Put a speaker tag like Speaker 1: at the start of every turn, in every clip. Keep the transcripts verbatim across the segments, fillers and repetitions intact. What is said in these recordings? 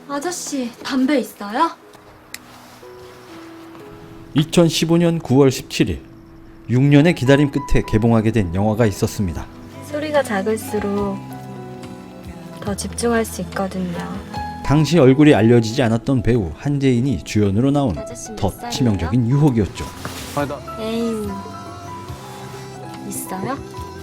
Speaker 1: 아저씨, 담배 있어요?
Speaker 2: 이천십오년 구월 십칠일, 육 년의 기다림 끝에 개봉하게 된 영화가 있었습니다.
Speaker 1: 소리가 작을수록 더 집중할 수 있거든요.
Speaker 2: 당시 얼굴이 알려지지 않았던 배우 한재인이 주연으로 나온 더 치명적인 유혹이었죠.
Speaker 1: 애인 있어요?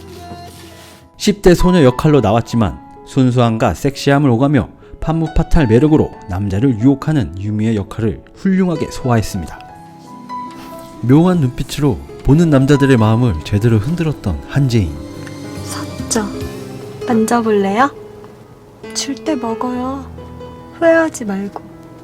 Speaker 2: 십 대 소녀 역할로 나왔지만 순수함과 섹시함을 오가며 판무파탈 매력으로 남자를 유혹하는 유미의 역할을 훌륭하게 소화했습니다. 묘한 눈빛으로 보는 남자들의 마음을 제대로 흔들었던 한재인.
Speaker 1: 섰죠. 만져볼래요? 줄 때 먹어요. 후회하지 말고.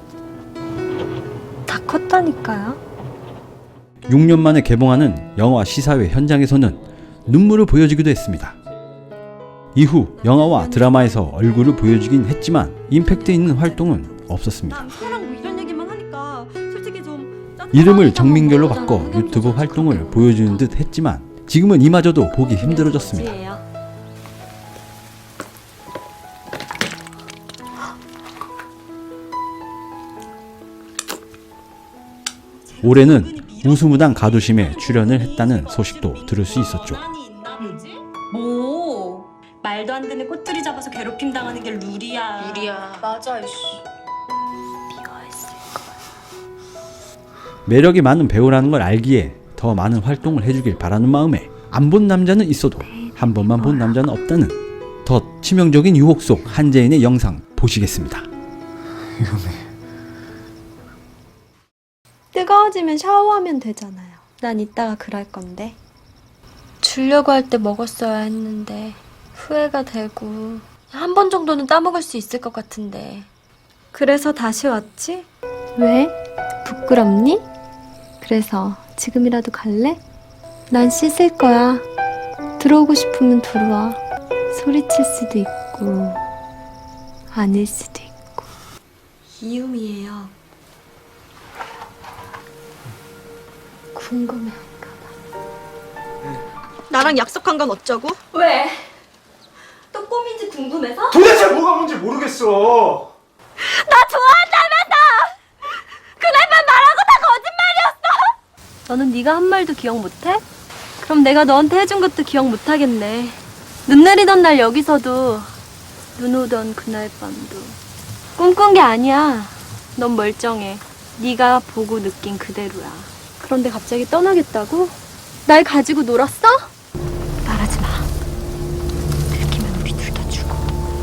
Speaker 1: 다 컸다니까요.
Speaker 2: 육 년 만에 개봉하는 영화 시사회 현장에서는 눈물을 보여주기도 했습니다. 이후 영화와 드라마에서 얼굴을 보여주긴 했지만 임팩트 있는 활동은 없었습니다.
Speaker 1: 남편랑 뭐 이런 얘기만 하니까 솔직히 좀
Speaker 2: 이름을 정민결로 바꿔 유튜브 활동을 보여주는 듯 했지만 지금은 이마저도 보기 힘들어졌습니다. 올해는 우수무당 가두심에 출연을 했다는 소식도 들을 수 있었죠.
Speaker 3: 뭐 말도 안 되는 꼬투리 잡아서 괴롭힘 당하는 게 룰이야.
Speaker 4: 룰이야. 맞아, 이씨.
Speaker 1: 미워했을 거야.
Speaker 2: 매력이 많은 배우라는 걸 알기에 더 많은 활동을 해주길 바라는 마음에 안 본 남자는 있어도 한 번만 본 남자는 없다는 더 치명적인 유혹 속 한재인의 영상 보시겠습니다.
Speaker 5: 위험해.
Speaker 1: 뜨거워지면 샤워하면 되잖아요. 난 이따가 그럴 건데. 주려고 할 때 먹었어야 했는데 후회가 되고 한 번 정도는 따먹을 수 있을 것 같은데. 그래서 다시 왔지? 왜? 부끄럽니? 그래서 지금이라도 갈래? 난 씻을 거야. 들어오고 싶으면 들어와. 소리칠 수도 있고 아닐 수도 있고. 이유미예요. 궁금해할까 봐. 나랑 약속한 건 어쩌고? 왜? 또 꿈인지 궁금해서?
Speaker 5: 도대체 뭐가 뭔지 모르겠어.
Speaker 1: 나 좋아한다면서! 그날만 말하고 다 거짓말이었어! 너는 네가 한 말도 기억 못해? 그럼 내가 너한테 해준 것도 기억 못하겠네. 눈 내리던 날 여기서도 눈 오던 그날 밤도 꿈꾼 게 아니야. 넌 멀쩡해. 네가 보고 느낀 그대로야. 그런데 갑자기 떠나겠다고? 날 가지고 놀았어? 말하지 마. 들키면 우리 둘 다 죽어.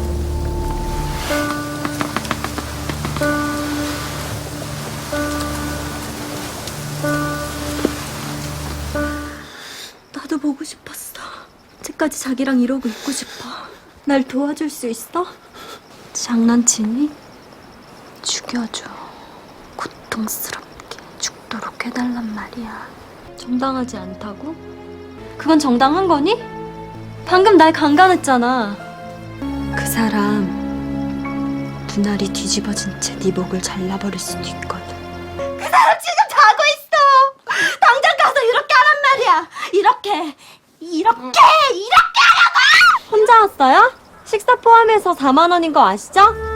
Speaker 1: 나도 보고 싶었어. 언제까지 자기랑 이러고 있고 싶어. 날 도와줄 수 있어? 장난치니? 죽여줘. 고통스럽게 죽도록 해달란 말이야. 정당하지 않다고? 그건 정당한 거니? 방금 날 강간했잖아. 그 사람 눈알이 뒤집어진 채 네 목을 잘라버릴 수도 있거든. 그 사람 지금 자고 있어. 당장 가서 이렇게 하란 말이야. 이렇게 이렇게 이렇게 하라고. 혼자 왔어요? 식사 포함해서 사만 원인 거 아시죠?